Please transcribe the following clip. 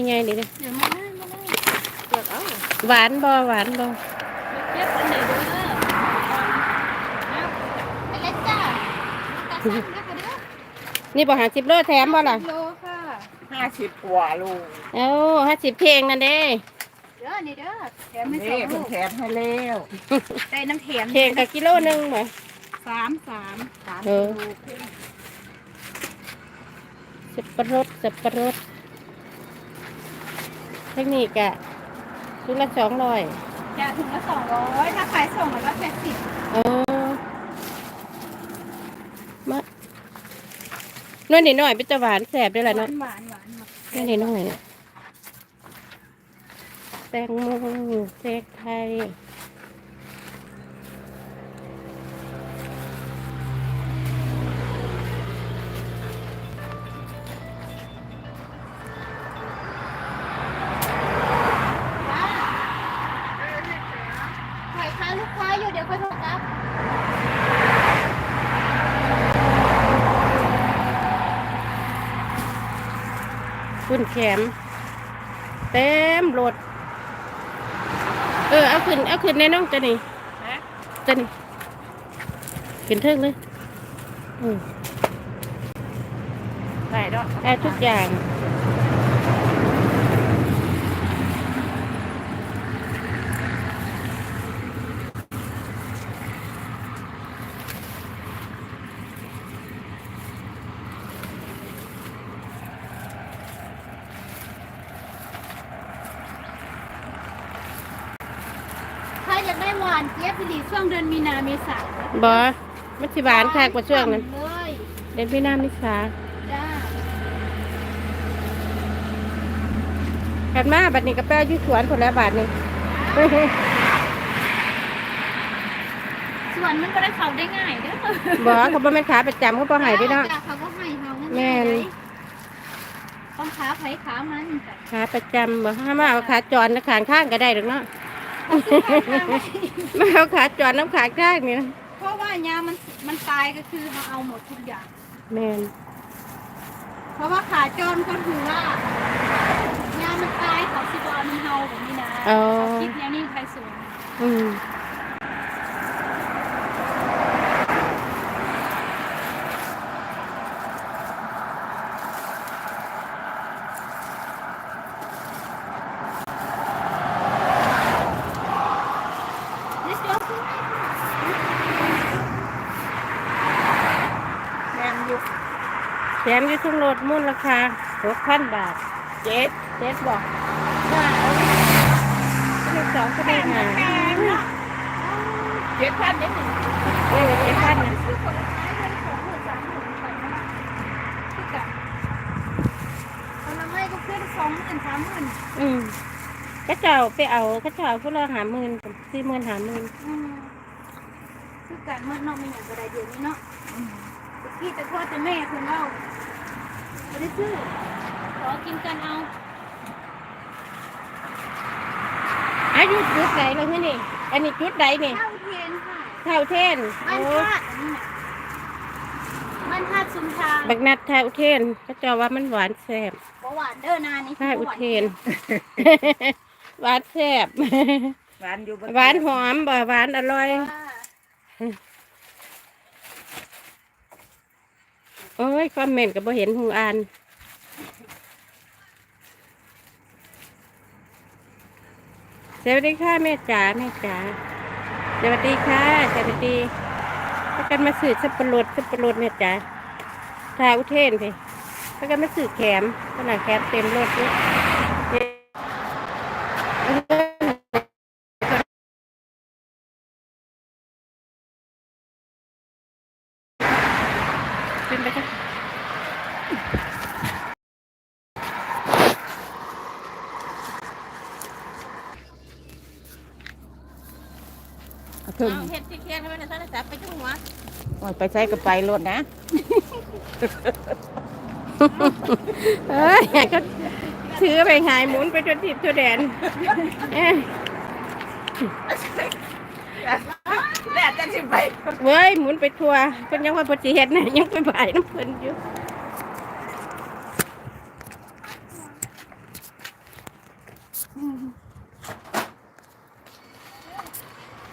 ไงนี่เด้อเดี๋ยวมาเลยเปิดเอาหวานบ่หวานบ่เก็บอันไหนเด้อไปเล็กจ้าตัดสั้นนะคะเด้อนี่บ่50 โลแถมบ่ล่ะโลค่ะ 50 กว่าลูกเอ้า50เพลงนั่นเด้เด้อนี่เด้อแถมไม่สนี่องเพิ่ลูนกแถมให้แล้วได้น้ำแถมเพลงก็กิโลนึงบ่สามเออ สับปะรดเทคนิคอะชุดละ200 จะถุงละ200ถ้าขายส่งมันก็80 เออมาน้อยนิดหน่อยเป็นตะหวานแสบด้วยล่ะหวาเนาะนหวานน้อยนิดหน่อยเนี่ยแตงโมเค้กไทยขายค้าลูกค้าอยู่เดี๋ยวค่อยโทรกลับคุณแขมเต็มรถเอาขึ้นในน้องจะนี่จะนี่ขึ้นเทิงเลยมได้ดอกได้ทุกอย่างถ้าอยากได้หวานเจี๊ยบผลิตช่วงเดือนมีนาเมษาบอมันสิหวานค่ะกว่าช่วงนั้นเลยเดือนพี่น้ำมิสาจ้ากันมาบัดนี้กระแป้อยู่สวนผลแล้วบาทนี่ส่วนมันก็ได้เขาได้ง่ายเด้อบอเขาบ่แม่นขาประจำเขาบ่ใหายด้วยเนาะจ้เขาก็ให้เขานั่นแม่นต้องขาไผขามันจ้ะขาประจำบ่ห้ามเอาขาจรนะขางข้างก็ได้หรอกเนาะ ไม่เอาขาจรน้ำขาข้างนี่นะเพราะว่ายามันตายก็คือเขาเอาหมดทุกอย่างแม่นเพราะว่าขาจรก็คือว่ายามันตายเขาสิบเอามันเฮาแบบนี้นะเขาคิดแนวนี้ใครสวนอืมนี่เสือคือแถมอยู่แถมอยู่ทุกรถมูลราคา6,000 บาทเจ็ดเจ็ดบอกว่าเอาเลข2ก็ได้หา 7,000นิดหนึง 7,000นะคือคนละท้ายเลย20,000 30,000ไปนะคือกันคนละไม่ก็ขึ้น20,000 30,000 อืมก็เจ้าไปเอาก็เจ้าพวกเรา50,000 40,000 50,000 คือการเมื่อนอกไม่อย่างกระไดเดียวนี้เนาะพี่จะทอดจะแม่คุณเล่าไม่ได้ซื้อขอกินกันเอาอายุจุดไหนเราที่นี่ อันนี้จุดไหนนี่ข้าวเทียนค่ะเท่าเทนบ้านโอ้ธาตุอันนี้น่ะบ้านธาตุชุมทางบักนัดเท่าเทนก็เจ้าว่ามันหวานแซ่บหวานเด้อนานี่เท่าเทน หวานแซ่บหวานอยู่บ่หวานหอมบ่หวานอร่อย โอ้ยคอมเมนต์ก็บ่เห็นหูอ่าน สวัสดีค่ะแม่จ๋าแม่จ๋าสวัสดีค่ะสวัสดีถ้ากันมาสื่อสับปะรดแม่จ๋าทาอุเทนพี่ถ้ากันมาสื่อแขมขนาดแขมเต็มรถเลยเป็นไปจ้ะเอาเพิ่มเห็ดที่เทียนทำไมเนี่ยท่านจับไปจุ่มหัวโอ้ยไปใช้กับไปรถนะเอ้ยก็ถือไปหายหมุนไปจนทิพย์จนแดนเอ้ยแล้วจะสิไปเว้ยหมุนไปทัวเพิ่นยังว่าปฏิเหตุนะยังไปบ่ายน้ำเพิ่นอยู่อืม